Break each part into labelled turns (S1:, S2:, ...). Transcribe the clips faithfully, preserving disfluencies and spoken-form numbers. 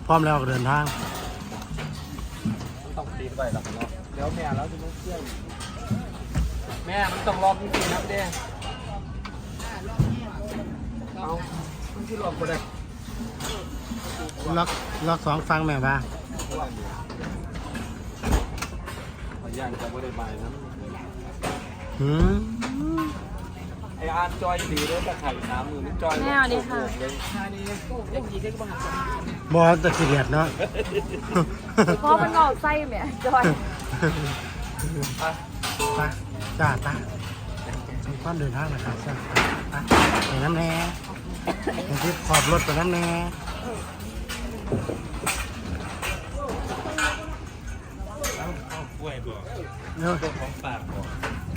S1: พร้อมแล้วก็เดินทาง
S2: ต้องตีไปหรอกเนาะเดี๋ยวแม่แล้วจะต้องเชื่อแม่มันต้องรอบจริงๆนะเด้เอามันที่รอบก็ได้
S1: ล็อกล็อกสองฟังแม่บ้า
S2: ย่างจะไม่ได้ไปนะ
S1: หืม
S2: ไออาร์จอยดีเลยตะไคร่น้ำมือมันจอย
S3: แม่เอาดิค่ะ
S1: บอลตะเกียบเนาะ
S3: เพราะมันงอกไส้แม่จอย
S1: ไปจ้าตาสมความเดินทางนะครับจ้าตาไปน้ำแน่ไปที่ขอบรถไปน้ำแน่
S2: กล้วยบอก
S1: เนาะ
S2: ของปากบอก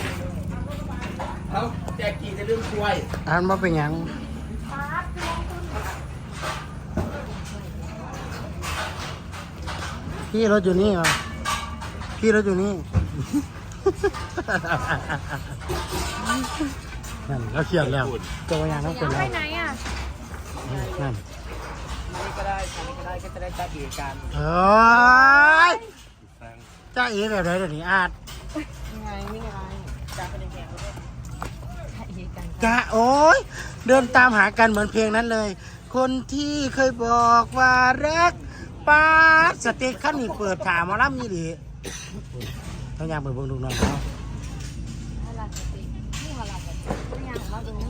S2: เขาแจกกี่จะเรื่องกล้วย
S1: อ่านมาเป็นยังพี่รถอยู่นี่เหรอพี่รถอยู่นี่นั่นแล้วเขียนแล้วตัวอย่างต้องเป็นแล้ว
S3: ไปไหนอ่ะ
S1: นั่น
S2: นี่ก็ได้อันนี้ก็ได้ก็จะได้จ้าเอ๋กัน
S1: เฮ้ยจ้าเอ๋แบบไหนเดี๋ยวนี้อาด
S3: ยังไงนี่ไงจ้าเป็นแขกเลย
S1: จ้าโอ้ยเดินตามหากันเหมือนเพลงนั้นเลยคนที่เคยบอกว่ารักป้าสเต็กขั้นนี้เปิดถามมาล่ำนี่ดิต้องยางเปิดเบิ่งดูหน่อยเนาะ
S3: อะไรสเต็กนี่อะไรกันต้องยางมาดูนี่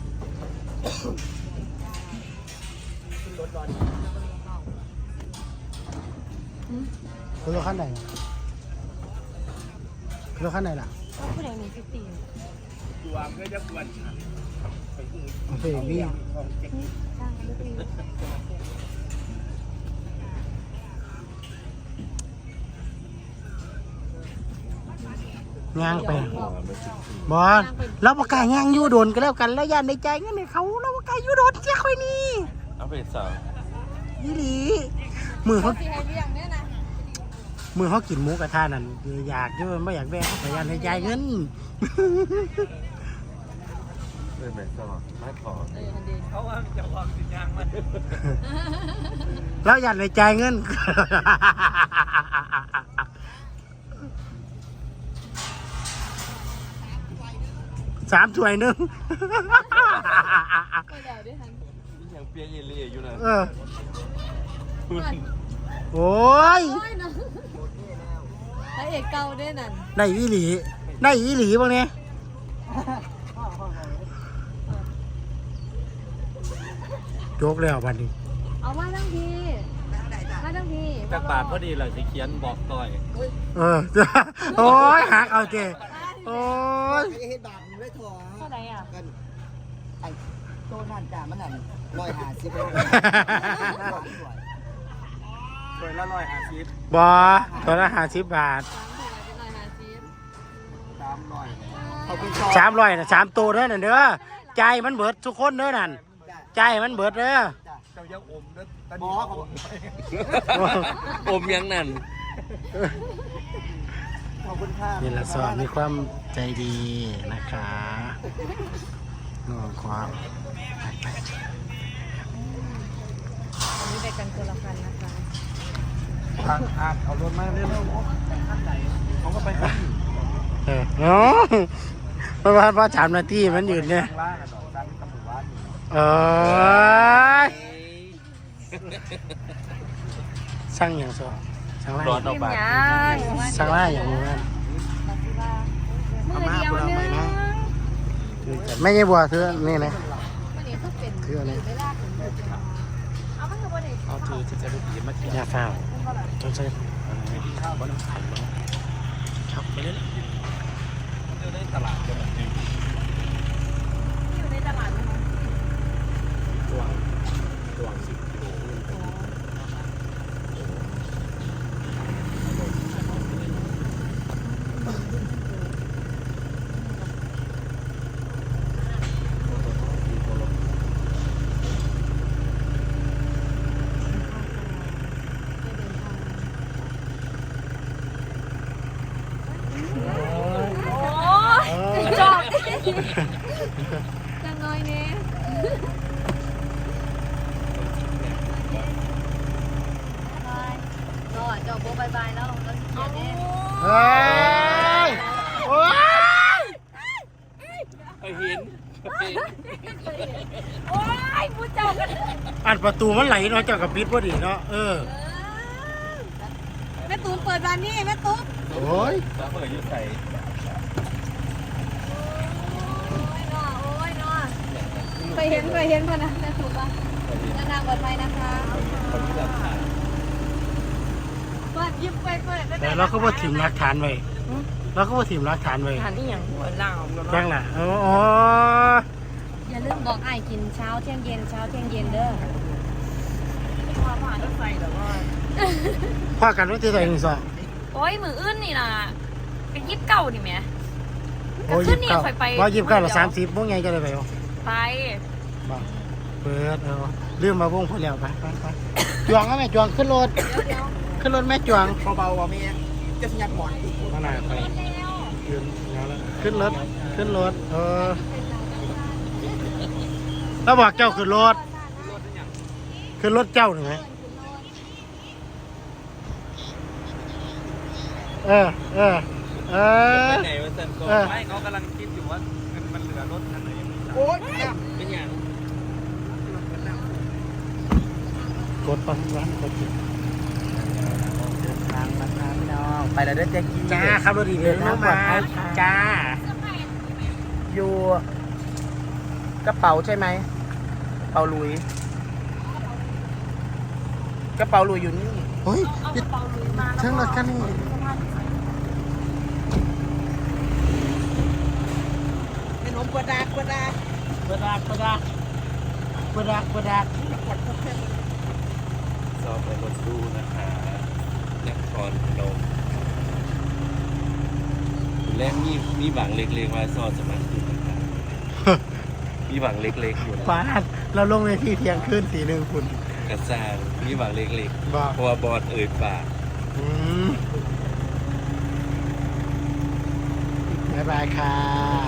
S2: รถร้อน
S1: คือรถขั้นไหนคือรถขั้นไหนล่ะ
S3: ผู้ใดมีฟิฟตี้
S2: ตัวเพื่อจะกวนฉัน
S1: โอเคพี่ย่างไปบอลเราประกาศย่างยูโดนก็แล้วกันแล้วยันในใจงั้นในเขาเราประกาศยูโดนเจ้าค่อยนี่
S2: เอาไปสาว
S1: ยี่หลีมือเขามือเขากินหมูกระทะนั่นอยากเยอะไม่อยากแบ่งแต่ยันในใจเงิน
S2: ไม่แบ่งก็ไม่พอเขาว่าจะวางสินยางมัน
S1: แล้วยันในใจเงินสามถ้วยหนึ่ง
S2: ยังเปียเยลี่อยู่นะ
S1: เออโอ้ย
S3: ไอเอกเก่าด้วยนั่น
S1: ได้อีหลีได้อีหลีบ้างเนี่ยโจกแล้วบัดนี้
S3: เอามาทั้งทีมาทั้งที
S2: จากบาทพอดีเลยจะเขียนบอกต่อย
S1: เออโอ้ยหักเอาเจโอ้ย
S4: เฮ็ดบาทมันไม่ถอ
S3: เท่าไหร่อ่ะ
S4: กันไอ้โต้นั่นจ่ามันนั่นร้อยห้าสิบเลย
S2: สวยละร้อยห้าสิ
S1: บบอตัวละห้าสิบบาท
S2: สามร้อย
S1: สามร้อยนะสามตัวเด้อนั่นเด้อใจมันเบิดทุกคนเด้อนั่นใจมันเบิดเด้อ
S2: เจ้ายังอมเด้อตอนนี้อมยังนั่น
S4: ขอบคุณค่ะ
S1: นี่แหละสอนมีความใจดีนะคะน้องความ
S3: อันนี้ไปกันคนละคันนะคะ
S2: ทางอาเอารถมาเร็วๆท่านไหนเขาก็ไปกัน
S1: เออเนาะเพราะว่าพอสามนาทีมันหยุดเนี่ยเออสร้างอย่างสอสั่งไล่สั่งไล่อย่างนี้นั่น
S3: มือเดียวนึง
S1: ไม่ใช่บัวเธอนี่นะเธอนี่
S2: เอาถือจะได้ดีมากที่
S1: ยาฝ้าต้องใช้
S2: ข้าวบ้านไข่บ้างครับไปเลยมันจะได้ตลาดเลย
S3: อยู่ในตลาดไหมคะ
S2: ตัวตัวสิบกิโล
S3: จังน้อยเนี่ยเจ้าโบบายบายแล้วเราเขียนเนี่ย
S1: เฮ้ยโอ้ย
S2: ไปเห็น
S3: โอ้ยพูดเจ้ากัน
S1: อันประตูมันไหลเนาะเจ้ากับปิดพอดีเนาะเออ
S3: แม่ตูนเปิดร้านนี้แม่ตูน
S1: โอ้ย
S2: แล้วเปิดยุใส่
S3: โอ้ยน้อโอ้ยน้อไปเห็นไปเห็นพนะแม่ตูนป่ะนานๆเปิดไปนะคะ
S2: คนที่รับทาน
S3: เปิดยิบไปเปิด
S1: แต่เราก็ว่าถิ่มหลักฐานไว้เราก็ว่าถิ่มหลักฐานไว้
S4: ทานนี่อย่างหัวเหล่า
S1: จังล่ะอ๋อ
S3: อย่าลืมบอกไอ้กินเช้าเที่ยงเย็นเช้าเที่ยงเย็นเด้อ
S4: ว่าผ่านรถไฟแต่ว่า
S1: พ่อกันว่าที่ไหนหนึ่งสอง
S5: โอ้ยมืออื่นนี่นะเป็นยิบเก่านี่ไหม
S1: โอ้ยยิบเก้าว่ายิบเก้าหรือสามสิบพวกไงจะได้ไปบ่
S5: ไป
S1: บอกเปิดเออลืมมาวงพอแล้วไปไปไปจวงก็แม่จวงขึ้นรถขึ้นรถแม่จวง
S4: เบาๆว่ะแม่จะสัญญาณหมอน
S1: มาหน่อยไปยืนแล้วแล้วขึ้นรถขึ้นรถเออแล้วบอกเจ้าขึ้นรถขึ้นรถเจ้าหนึ่งไหมเออเออเออ
S2: ไปไหนวะเซนโกไม่เขากำลังคิดอยู่ว่ามันมันเหลือรถคันไหนยังไม่
S4: โอ๊ย
S2: เป็นอย่าง
S1: กดปังร้านกดจิ
S4: เดินทางมาทางน้องไปแล้วเด้อแจ๊กกี้
S1: จ้าครับรถดีเดินมาจ้า
S4: อยู่กระเป๋าใช่ไหมกระเป๋าลุยกระเป๋าลุยอยู่นี่
S1: เฮ้ยเชิงรถกันนี่
S4: เป็นนมกวดากกวดาก
S1: กระดากกระดากกระดากกระดาก
S2: สอบไปรถตู้นะคะนครพนมแรกมีมีหวังเล็กๆว่าสอบจะมาขึ้นนะคะมีหวังเล็กๆอยู่นะ
S1: ฟ้าเราลงในที่เที่ยงคืนสีหนึ่งคุณ
S2: กระซ่างมีหวังเล็ก
S1: บอก
S2: ๆเพราะว่าบอดเอ่ยปาก
S1: อืมบ๊ายบายค่ะ